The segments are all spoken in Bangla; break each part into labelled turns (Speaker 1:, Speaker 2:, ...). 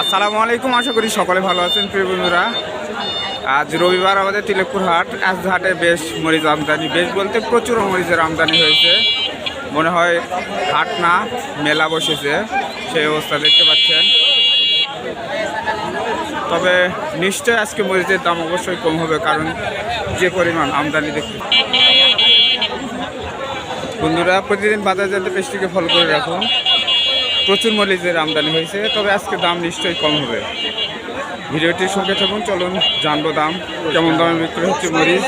Speaker 1: আসসালামু আলাইকুম, আশা করি সকলে ভালো আছেন প্রিয় বন্ধুরা। আজ রবিবার আমাদের তিলেকপুর হাট। আজ হাটে বেশ মরিচ আমদানি, বেশ বলতে প্রচুর মরিচের আমদানি হয়েছে। মনে হয় হাট না মেলা বসেছে, সেই অবস্থা দেখতে পাচ্ছেন। তবে নিশ্চয় আজকে মরিচের দাম অবশ্যই কম হবে, কারণ যে পরিমাণ আমদানি দেখতে। বন্ধুরা, প্রতিদিন বাজার জানতে পেজটিকে ফলো করে রাখুন। প্রচুর মরিচের আমদানি হয়েছে, তবে আজকে দাম নিশ্চয়ই কম হবে। ভিডিওটির সঙ্গে থাকুন, চলুন জানবো দাম কেমন দামে বিক্রি হচ্ছে মরিচ।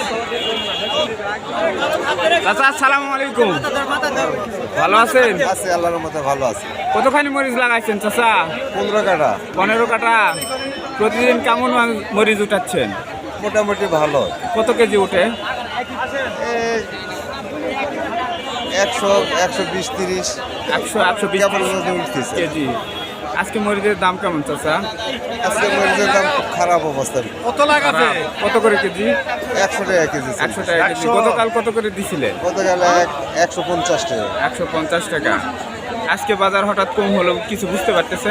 Speaker 1: চাচা আসসালামু আলাইকুম, ভালো আছেন?
Speaker 2: আল্লাহর মতো ভালো আছে।
Speaker 1: কতখানি মরিচ লাগাইছেন চাচা?
Speaker 2: 15 কাটা।
Speaker 1: 15 কাটা। প্রতিদিন কেমন মরিচ উঠাচ্ছেন?
Speaker 2: মোটামুটি ভালো।
Speaker 1: কত কেজি উঠে?
Speaker 2: 100, 120, 30,
Speaker 1: 100-120 কেজি। আজকে মরিচের দাম কেমন চাচা?
Speaker 2: আজকে মরিচের দাম খুব খারাপ অবস্থা।
Speaker 1: কত লাগাবে? কত করে কেজি?
Speaker 2: 100 টাকা কেজি।
Speaker 1: 100 টাকা কেজি। গতকাল কত করে দিছিলেন?
Speaker 2: গতকাল 150 টাকা।
Speaker 1: 150 টাকা। আজকে বাজার হঠাৎ কম হলো, কিছু বুঝতে পারতেছেন?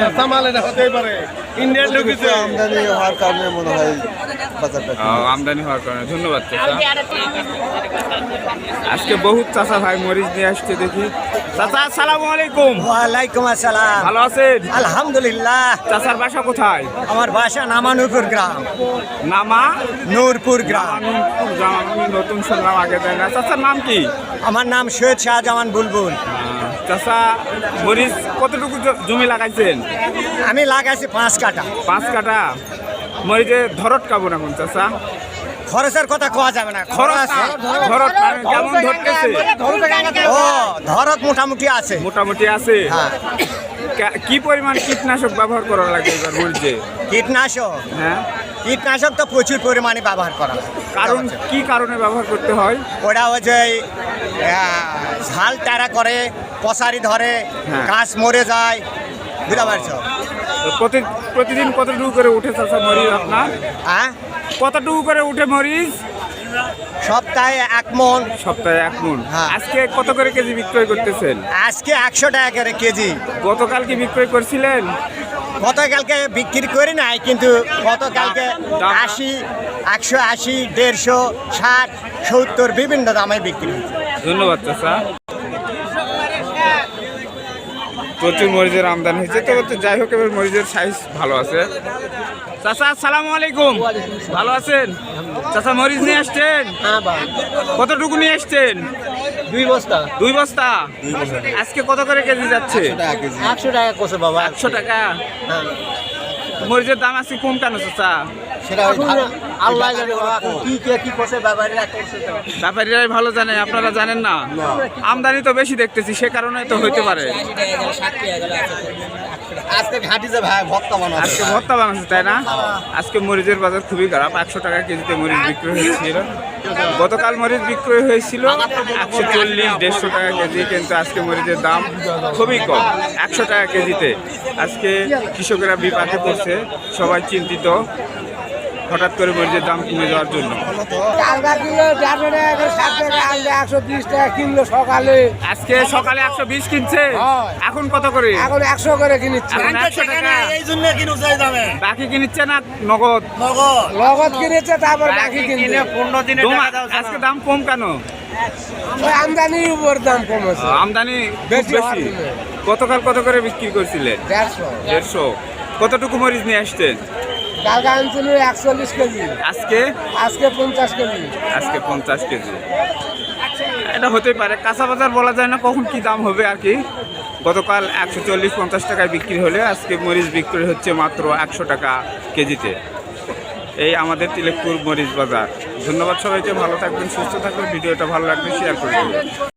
Speaker 2: আমদানি হওয়ার কারণে মনে হয় বাজারটা
Speaker 1: আমদানি হওয়ার কারণে। ধন্যবাদ চাচা। আজকে বহুত চাচা ভাই মরিচ নিয়ে আসছে, দেখি। চাচা আসসালামু আলাইকুম।
Speaker 3: ওয়ালাইকুম আসসালাম।
Speaker 1: ভালো আছেন?
Speaker 3: আলহামদুলিল্লাহ।
Speaker 1: চাচার বাসা কোথায়?
Speaker 3: আমার বাসা নামানুরপুর গ্রাম।
Speaker 1: নামা
Speaker 3: নূরপুর গ্রাম।
Speaker 1: নূরপুর গ্রাম। আমি নতুন শুনলাম, আগে দেয় না। চাচার নাম কি?
Speaker 3: আমার নাম সৈয়দ শাহজামান বুলবুল।
Speaker 1: চাচা মরিচ কতটুকু জমি লাগাইছেন?
Speaker 3: আমি লাগাইছি 5 কাটা।
Speaker 1: 5 কাটা। মরিচের ধরত কেমন এখন চাচা?
Speaker 3: খরচের কথা কোয়া যাবে না।
Speaker 1: ধরত মানে কেমন ধরতেছে?
Speaker 3: ও ধরত মোটামুটি আছে।
Speaker 1: মোটামুটি আছে।
Speaker 3: হ্যাঁ।
Speaker 1: কি পরিমাণ কীটনাশক ব্যবহার করা লাগে এবার মরিচে?
Speaker 3: কীটনাশক?
Speaker 1: হ্যাঁ,
Speaker 3: কীটনাশক তো প্রচুর পরিমাণে ব্যবহার করা হয়।
Speaker 1: কারণ কি কারণে ব্যবহার করতে হয়?
Speaker 3: ওটা হচ্ছে ঝাল টারা করে, পশারি ধরে,
Speaker 1: হ্যাঁ।
Speaker 3: গাছ মরে যায়, বুঝতে পারছো?
Speaker 1: তো প্রতিদিন কতটুকু করে উঠে চাচা মরিচ আপনার?
Speaker 3: হ্যাঁ,
Speaker 1: কতটুকু করে উঠে মরিচ?
Speaker 3: সপ্তাহে 1 মণ।
Speaker 1: সপ্তাহে 1 মণ।
Speaker 3: হ্যাঁ।
Speaker 1: আজকে কত করে কেজি বিক্রয় করতেছেন?
Speaker 3: আজকে 100 টাকা করে কেজি।
Speaker 1: গতকাল কি বিক্রয় করছিলেন?
Speaker 3: গতকালকে বিক্রি করি নাই, কিন্তু গতকালকে 80, 180, 150, 60, 70 বিভিন্ন দামে বিক্রি হচ্ছে।
Speaker 1: ধন্যবাদ চাচা। প্রচুর মরিচের আমদানি হয়েছে, তবে তো যাই হোক এবার মরিচের সাইজ ভালো আছে। চাচা আসসালামু আলাইকুম, ভালো আছেন? চাচা মরিচ নিয়ে আসছেন? কতটুকু নিয়ে আসছেন?
Speaker 3: 2 বস্তা।
Speaker 1: 2 বস্তা। আজকে কত করে কেজি যাচ্ছে?
Speaker 3: 100 টাকা কোসে বাবা।
Speaker 1: 100 টাকা। মরিচের দাম আজকে কম কেন চাচা?
Speaker 3: আল্লাহ জানে বাবা, কি কোসে ব্যাপারীরা করছে তো।
Speaker 1: ব্যাপারীরাই ভালো জানে, আপনারা জানেন না। আমদানি তো বেশি দেখতেছি, সে কারণে তো হইতে পারে।
Speaker 3: আজকে ঘাটিতে ভাই ভক্তা বানাচ্ছে।
Speaker 1: আজকে ভর্তা বানাচ্ছে, তাই না? আজকে মরিচের বাজার খুবই খারাপ। 100 টাকা কেজিতে মরিচ বিক্রি হয়েছিল। গতকাল মরিচ বিক্রয় হয়েছিল 140, 150 টাকা কেজি, কিন্তু আজকে মরিচের দাম খুবই কম, 100 টাকা কেজিতে। আজকে কৃষকেরা বিপাকে পড়ছে, সবাই চিন্তিত হঠাৎ করে মরিচের দাম কমে যাওয়ার জন্য। আজকে সকালে 120 কিনছে, এখন কত করে?
Speaker 3: এখন 100 করে কিনছে।
Speaker 1: এখন 100 টাকা।
Speaker 3: এই জন্য কিনুছে দামে।
Speaker 1: বাকি কিনছে না নগদ?
Speaker 3: নগদ কিনেছে, তারপর বাকি কিনছে।
Speaker 1: 15 দিনে আজকে দাম কম কেন?
Speaker 3: আমদানির উপর দাম কমেছে।
Speaker 1: আমদানি বেশি। গতকাল কত করে বিক্রি করছিলেন? 150। কতটুকু মরিচ নিয়ে আসছেন?
Speaker 3: কালকে আনছিল 41 কেজি।
Speaker 1: আজকে
Speaker 3: 50 কেজি।
Speaker 1: আজকে 50 কেজি। এটা হতেই পারে, কাঁচা বাজার বলা যায় না কখন কি দাম হবে আর কি। গতকাল 140-50 টাকায় বিক্রি হলে আজকে মরিচ বিক্রি হচ্ছে মাত্র 100 টাকা কেজিতে। এই আমাদের তিলেকপুর মরিচ বাজার। ধন্যবাদ সবাইকে, ভালো থাকবেন, সুস্থ থাকবেন। ভিডিওটা ভালো লাগলে শেয়ার করে দেবেন।